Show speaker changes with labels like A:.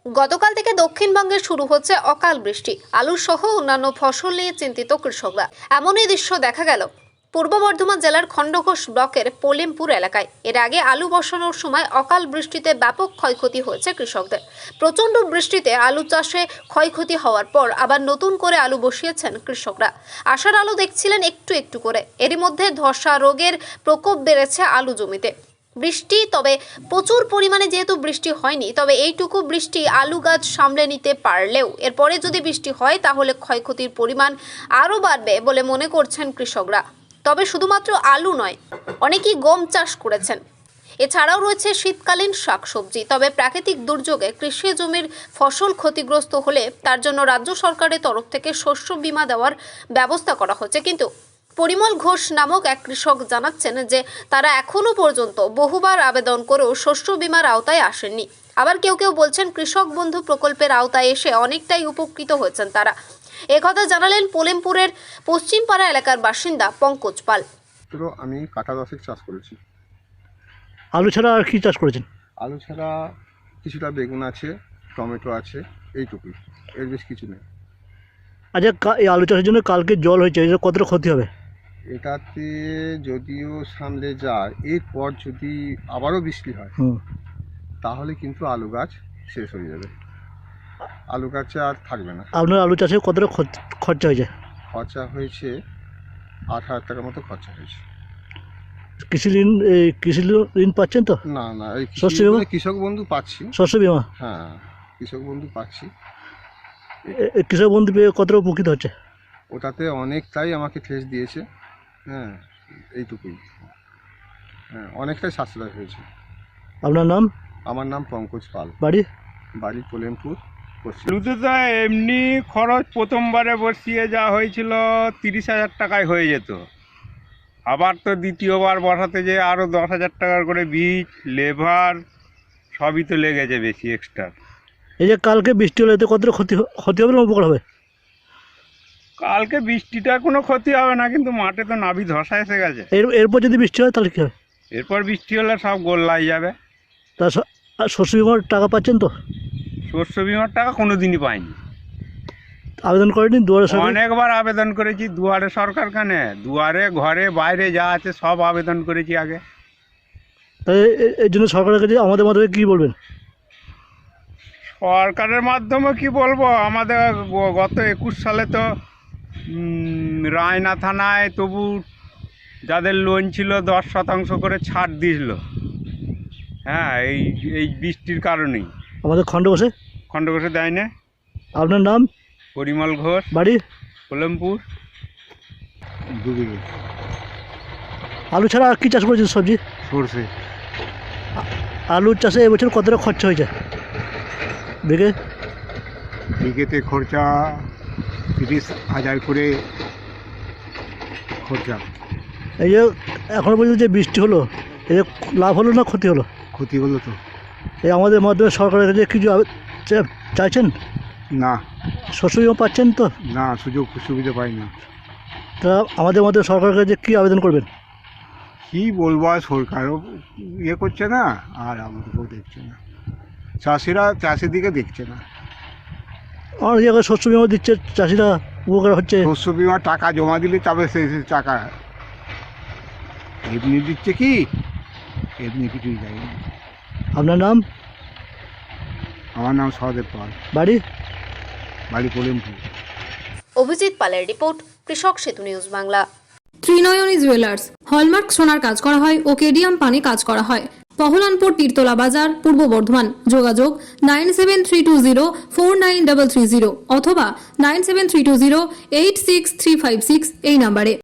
A: গতকাল থেকে দক্ষিণবঙ্গে শুরু হচ্ছে অকাল বৃষ্টি। আলু সহ অন্যান্য ফসল নিয়ে চিন্তিত কৃষকরা। এমনই দৃশ্য দেখা গেল পূর্ব বর্ধমান জেলার খণ্ডঘোষ ব্লকের পোলেমপুর এলাকায়। এর আগে আলু বসানোর সময় অকাল বৃষ্টিতে ব্যাপক ক্ষয়ক্ষতি হয়েছে কৃষকদের। প্রচণ্ড বৃষ্টিতে আলু চাষে ক্ষয়ক্ষতি হওয়ার পর আবার নতুন করে আলু বসিয়েছেন কৃষকরা। আশার আলো দেখছিলেন একটু একটু করে। এরই মধ্যে ধসা রোগের প্রকোপ বেড়েছে আলু জমিতে। বৃষ্টি তবে প্রচুর পরিমাণে যেহেতু বৃষ্টি হয়নি, তবে এইটুকু বৃষ্টি আলু গাছ সামলে নিতে পারলেও এরপরে যদি বৃষ্টি হয় তাহলে ক্ষয়ক্ষতির পরিমাণ আরও বাড়বে বলে মনে করছেন কৃষকরা। তবে শুধুমাত্র আলু নয়, অনেকেই গম চাষ করেছেন। এছাড়াও রয়েছে শীতকালীন শাকসবজি। তবে প্রাকৃতিক দুর্যোগে কৃষি জমির ফসল ক্ষতিগ্রস্ত হলে তার জন্য রাজ্য সরকারের তরফ থেকে শস্য বীমা দেওয়ার ব্যবস্থা করা হচ্ছে। কিন্তু পরিমল ঘোষ নামক এক কৃষক জানাচ্ছেন যে তারা এখনো পর্যন্ত বহুবার আবেদন করেও শস্য বীমার আওতায় আসেননি। আবার কেউ কেউ বলছেন কৃষক বন্ধু প্রকল্পের আওতায় এসে অনেকটাই উপকৃত হয়েছেন তারা। একথা জানালেন পোলেমপুরের পশ্চিমপাড়া এলাকার বাসিন্দা পঙ্কজ পাল।
B: তো আমি কাঁটা দশেক চাষ করেছি।
C: আলু ছাড়া আর কি চাষ করেছেন?
B: আলু ছাড়া কিছুটা বেগুন আছে, টমেটো আছে, এইটুকুই, এর বেশ কিছু নেই।
C: আচ্ছা, এই আলু চাষের জন্য কালকে জল হয়েছে, এটা কতটা ক্ষতি হবে?
B: এটাতে যদিও সামলে যায়, এরপর যদি আবারও বৃষ্টি হয় তাহলে কিন্তু আলু গাছ শেষ হয়ে যাবে, আলু গাছে আর থাকবে না।
C: আপনার আলু চাষে কতটা খরচা হয়েছে?
B: খরচা হয়েছে 8,000 টাকার মতো খরচা হয়েছে।
C: কৃষি ঋণ পাচ্ছেন তো?
B: না না, এই
C: শস্য বীমা?
B: কৃষক বন্ধু পাচ্ছি।
C: শস্য বীমা?
B: হ্যাঁ, কৃষক বন্ধু পাচ্ছি।
C: কৃষক বন্ধু পেয়ে কতটা উপকৃত হচ্ছে?
B: ওটাতে অনেকটাই আমাকে ঠেস দিয়েছে। হ্যাঁ, এইটুকুই। হ্যাঁ, অনেকটাই সাশ্রয় হয়েছে।
C: আপনার নাম?
B: আমার নাম পঙ্কজ পাল। বাড়ি পোলেমপুর।
D: আলুতে তো এমনি খরচ প্রথমবারে বসিয়ে যা হয়েছিল 30,000 টাকায় হয়ে যেত। আবার তো দ্বিতীয়বার বসাতে যে আরও 10,000 টাকার করে বীজ, লেবার সবই তো লেগেছে বেশি এক্সট্রা।
C: এই যে কালকে বৃষ্টি হলে এতে কতটা ক্ষতি হবে না উপকার হবে?
D: কালকে বৃষ্টিটার কোনো ক্ষতি হবে না, কিন্তু মাঠে তো নাভি ধসা এসে গেছে।
C: এরপর যদি বৃষ্টি হয় তাহলে কী হবে?
D: এরপর বৃষ্টি হলে সব গোল্লাই যাবে।
C: তা শস্য বীমার টাকা পাচ্ছেন তো?
D: শস্য বিমার টাকা কোনো দিনই পাইনি।
C: আবেদন করেনি দুয়ারে সরকার?
D: অনেকবার আবেদন করেছি। দুয়ারে সরকার কানে, দুয়ারে ঘরে বাইরে যা আছে সব আবেদন করেছি আগে।
C: তাই এর জন্য সরকারের কাছে আমাদের মাধ্যমে কী বলবেন?
D: সরকারের মাধ্যমে কি বলবো, আমাদের গত 21 সালে তো রায়না থানায় তবু যাদের লোন ছিল 10% করে ছাড় দিয়েছিল। হ্যাঁ, এই বৃষ্টির কারণেই।
C: আমাদের
D: খণ্ডঘোষে দেয় না।
C: আপনার নাম?
D: পরিমল ঘোষ,
C: বাড়ি
D: পোলেমপুর।
C: আলু ছাড়া আর কি চাষ করেছেন সবজি?
B: সরষে।
C: আলুর চাষে এবছর কতটা খরচা হয়েছে
E: বিঘেতে খরচা 30,000 করে খরচা।
C: এই যে এখনো পর্যন্ত যে বৃষ্টি হলো, এতে লাভ হলো না ক্ষতি হলো?
E: ক্ষতি হলো তো।
C: এই আমাদের মাধ্যমে সরকারের কাছে কিছু চাইছেন?
E: না
C: শস্য বীমা পাচ্ছেন তো?
E: না, সুযোগ সুবিধা পাই না।
C: তা আমাদের মাধ্যমে সরকারের কাছে কী আবেদন করবেন?
E: কী বলবো, আর সরকারও ইয়ে করছে না আর আমাদেরকেও দেখছে না, চাষিরা চাষের দিকে দেখছে না।
C: আমার জায়গায় শস্য বীমা দিচ্ছে, চাষিরা উপকার হচ্ছে।
E: শস্য বিমার টাকা জমা দিলে তবে সেই টাকা এমনি দিচ্ছে, কি এমনি কিছুই যায়নি।
C: আপনার নাম?
E: আমার নাম সহদেব পাল। বাড়ি পোলেমপুর।
A: অভিজিৎ পালের report, Krishak Setu news Bangla.
F: Trinayani jewellers hallmark সোনার কাজ করা হয় ও কেডিয়াম পানি কাজ করা হয়। পহলানপুর তীরতলা বাজার, পূর্ব বর্ধমান। যোগাযোগ 9732049330 অথবা 9732086356 এই নম্বরে।